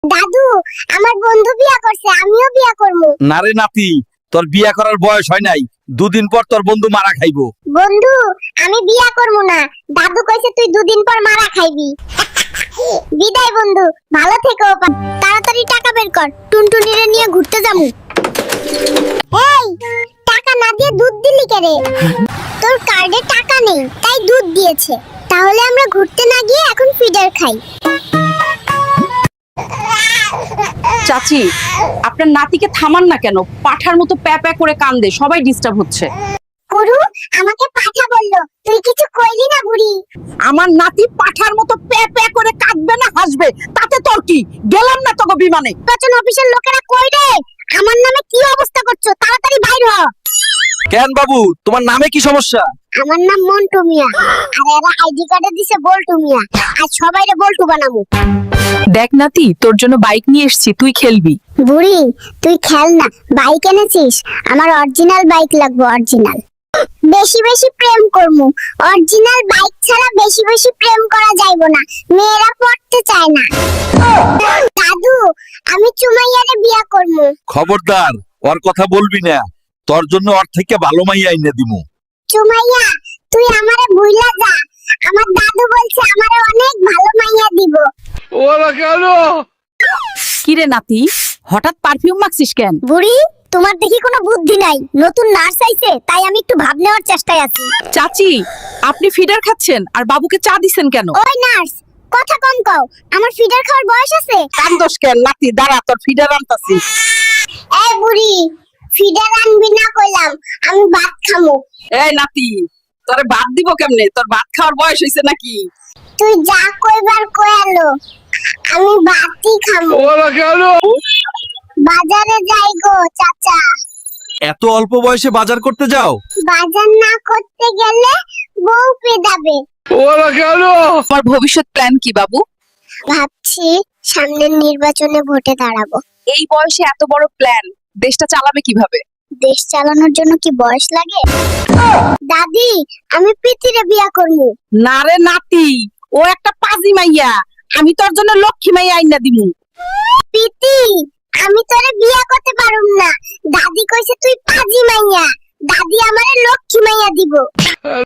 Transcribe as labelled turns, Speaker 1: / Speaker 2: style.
Speaker 1: দাদু, আমার বন্ধু বিয়া করছে, আমিও বিয়া করব।
Speaker 2: না রে নাতি, তোর বিয়া করার বয়স হয় নাই। দুদিন পর তোর বন্ধু মারা খাইবো।
Speaker 1: বন্ধু, আমি বিয়া করব না। দাদু কইছে তুই দুদিন পর মারা খাইবি। বিদায় বন্ধু, ভালো থেকো। তাড়াতাড়ি টাকা বের কর, টুনটুনিরে নিয়ে ঘুরতে যামু। এই, টাকা না দিয়ে দুধ দিলি কেরে? তোর কার্ডে টাকা নেই, তাই দুধ দিয়েছে। তাহলে আমরা ঘুরতে না গিয়ে এখন ফিডার খাই।
Speaker 3: চাচি, আপনার নাতিকে থামান না কেন? পাঠার মতো প্যা প্যা করে কান্দে, সবাই ডিস্টার্ব হচ্ছে।
Speaker 1: গুরু আমাকে পাঠা বললো, তুই কিছু কইলি না বুড়ি?
Speaker 3: আমার নাতি পাঠার মতো প্যা প্যা করে কাঁদবে না হাসবে, তাতে তোর কি? গেলাম না তোকে বিমানে।
Speaker 1: নির্বাচন অফিসের লোকেরা কই রে? আমার নামে কি অবস্থা করছো? তাড়াতাড়ি বাইর হ।
Speaker 2: কেন বাবু, তোমার নামে কি সমস্যা?
Speaker 1: আমার নাম মন্টু মিয়া, আর এরা আইডি কার্ডে দিছে বল্টু মিয়া। আজ সবাইরে বল্টু বানামু।
Speaker 3: দেখ নাতি, তোর জন্য বাইক নিয়ে এসেছি, তুই খেলবি।
Speaker 1: বুড়ি, তুই খেল না, বাইক এনেছিস? আমার অরিজিনাল বাইক লাগবে, অরিজিনাল। বেশি বেশি প্রেম করমু, অরিজিনাল বাইক ছাড়া বেশি বেশি প্রেম করা যাইবো না, মেয়েরা পড়তে চায় না। দাদু, আমি চুমাইয়ারে বিয়া করমু।
Speaker 2: খবরদার, ওর কথা বলবি না। তোর জন্য ওর থেকে ভালো মাইয়া আইনা দিমু।
Speaker 1: চুমাইয়া, তুই আমারে ভুইলা যা। আমার দাদু বলছে আমারে অনেক ভালো মাইয়া দিব।
Speaker 3: কি রে নাতি, হঠাৎ পারফিউম মাখছিস কেন?
Speaker 1: বুড়ি, তোমার দেখি কোনো বুদ্ধি নাই। নতুন নার্স আইছে, তাই আমি একটু ভাব নেওয়ার চেষ্টায় আছি।
Speaker 3: চাচি, আপনি ফিডার খাচ্ছেন আর বাবুকে চা দিছেন কেন?
Speaker 1: ওই নার্স, কথা কম কও। আমার ফিডার খাওয়ার বয়স আছে?
Speaker 3: কান্দোস কেন নাতি? দাঁড়া, তোর ফিডার আনতাছি।
Speaker 1: এই বুড়ি, ফিডার আনবি না কইলাম, আমি ভাত খামু।
Speaker 3: এই নাতি, তোরে ভাত দিব কেমনে? তোর ভাত খাওয়ার বয়স হইছে নাকি?
Speaker 1: তুই যা কইবার কয়ালো, আমি ভাতই খামু। বাজারে যাই গো চাচা।
Speaker 2: এত অল্প বয়সে বাজার করতে যাও?
Speaker 1: বাজার না করতে গেলে বউ পেদাবে।
Speaker 3: তোমার ভবিষ্যৎ প্ল্যান কি বাবু?
Speaker 1: ভাবছি সামনের নির্বাচনে ভোটে দাঁড়াবো।
Speaker 3: এই বয়সে এত বড় প্ল্যান, দেশটা চালাবে কিভাবে?
Speaker 1: দেশ চালানোর জন্য কি বয়স লাগে? দাদি, আমি প্রীতিরে বিয়া করবো।
Speaker 3: না রে নাতি, ও একটা পাজি মাইয়া। আমি তোর জন্য লক্ষ্মী মাইয়া আইনা দিমু।
Speaker 1: প্রীতি, আমি তোরে বিয়া করতে পারুম না। দাদি কইছে তুই পাজি মাইয়া। দাদি আমারে লক্ষ্মী মাইয়া দিব।